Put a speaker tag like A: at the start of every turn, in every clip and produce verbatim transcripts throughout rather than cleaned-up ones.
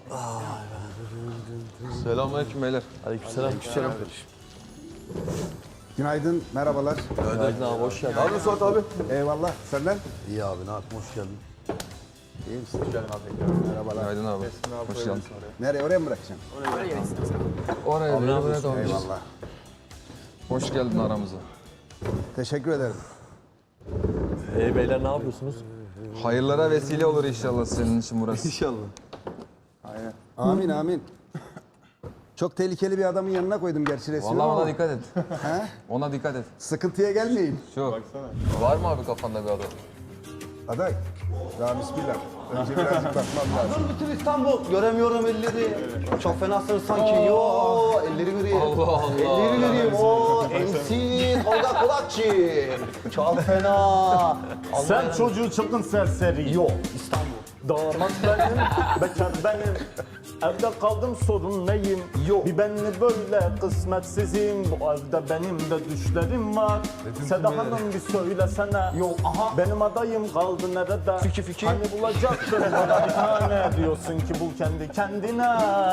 A: Selamünaleyküm beyler.
B: Aleykümselam.
A: Aleykümselam.
C: Günaydın, merhabalar.
B: Günaydın abi, hoş geldin.
A: Ne yapıyorsun Suat abi?
C: Eyvallah, senden?
D: İyi abi, ne yapayım, hoş geldin.
C: İyi misin? Merhabalar.
A: Günaydın abi. Hoş geldin.
C: Nereye, oraya mı bırakacaksın?
A: Oraya bir oraya da
C: Eyvallah.
A: Hoş geldin aramıza.
C: Teşekkür ederim.
B: Ee beyler ne yapıyorsunuz?
A: Hayırlara vesile olur inşallah senin için burası.
B: İnşallah.
C: Amin, amin. Çok tehlikeli bir adamın yanına koydum gerçi resmi
A: Vallahi
C: ama.
A: ona dikkat et.
C: He?
A: Ona dikkat et.
C: Sıkıntıya gelmeyin.
A: Çok. Var mı abi kafanda bir adam?
C: Aday, daha bismillah. Önce birazcık bakmam lazım.
D: Bütün İstanbul, göremiyorum elleri. Çok fenasınız sanki. Yo, elleri göreyim.
A: Allah Allah.
D: Elleri göreyim. O, M C Tolga Kulakçı. Çok fena.
E: Sen çocuğu çılgın serseri.
D: Yo, İstanbul.
E: Damat benim, bekar benim. Evde kaldım sorun neyim?
D: Yok.
E: Bir benli böyle kısmetsizim. Bu evde benim de düşlerim var. Seda Hanım bir söylesene.
D: Yok, aha.
E: Benim adayım kaldı nerede?
D: Fiki fiki.
E: Hani bulacaktın bana bir tane. Diyorsun ki bul kendi kendine.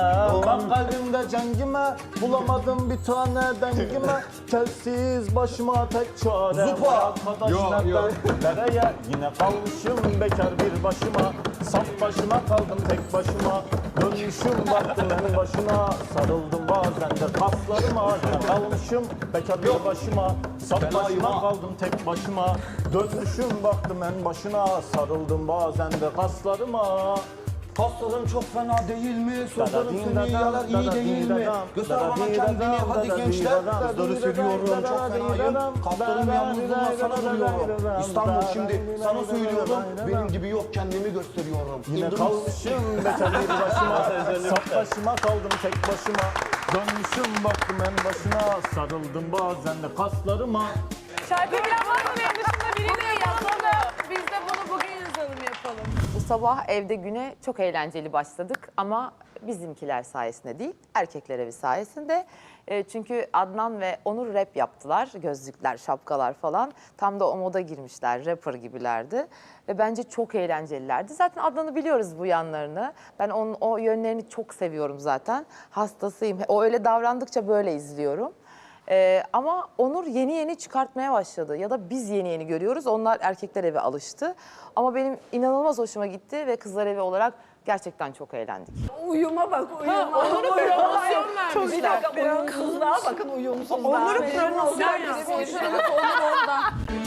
E: Bak kalbimde cengime. Bulamadım bir tane dengime. Telsiz başıma tek çare.
D: Zupa.
E: Arkadaş
A: Yok,
E: nereden
A: yok.
E: nereye? Yine kalmışım bekar bir başıma. Saf başıma kaldım tek başıma. Dönmüşüm baktım en başına. Sarıldım bazen de kaslarıma. Yine kalmışım bekar bir başıma. Saf
D: Fenayım
E: başıma
D: ha.
E: kaldım tek başıma. Dönmüşüm baktım en başına. Sarıldım bazen de kaslarıma.
D: Pasların çok fena değil mi? Sözlerim seni yalar iyi değil mi? Göster bana kendini hadi gençler. Kızları seviyorum çok fenayım. Kaplarım yalnızlığına sana duruyorum. İstanbul şimdi sana söylüyorum. Benim gibi yok kendimi gösteriyorum.
E: Yine
D: İndir-
E: kalmışım bekar bir başıma. Saf başıma kaldım tek başıma. Dönmüşüm baktım en başına. Sarıldım bazen de kaslarıma.
F: Şarkı bilen var mı benim dışında biriyle yazalım. Biz de bunu bugün yazalım yapalım.
G: Bu sabah evde güne çok eğlenceli başladık ama bizimkiler sayesinde değil, erkekler evi sayesinde. E, çünkü Adnan ve Onur rap yaptılar. Gözlükler, şapkalar falan. Tam da o moda girmişler, rapper gibilerdi. Ve bence çok eğlencelilerdi. Zaten Adnan'ı biliyoruz bu yanlarını. Ben onun o yönlerini çok seviyorum zaten. Hastasıyım. O öyle davrandıkça böyle izliyorum. Ee, ama Onur yeni yeni çıkartmaya başladı ya da biz yeni yeni görüyoruz. Onlar erkekler evi alıştı. Ama benim inanılmaz hoşuma gitti ve kızlar evi olarak gerçekten çok eğlendik.
F: Uyuma bak, uyuma. Onur'u promosyon vermişler.
H: Bir dakika, uyumsuzluğa bakın, uyumsuzluğa.
F: Onur'u promosyon vermişler. Onur orada.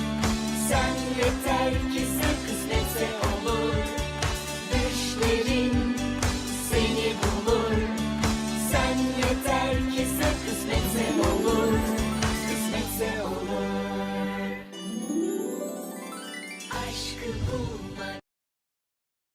I: Sen yeter ki sen kısmetse olur. Düşlerin seni bulur. Sen yeter ki sen kısmetse olur. Kısmetse olur. Aşkı bulmak.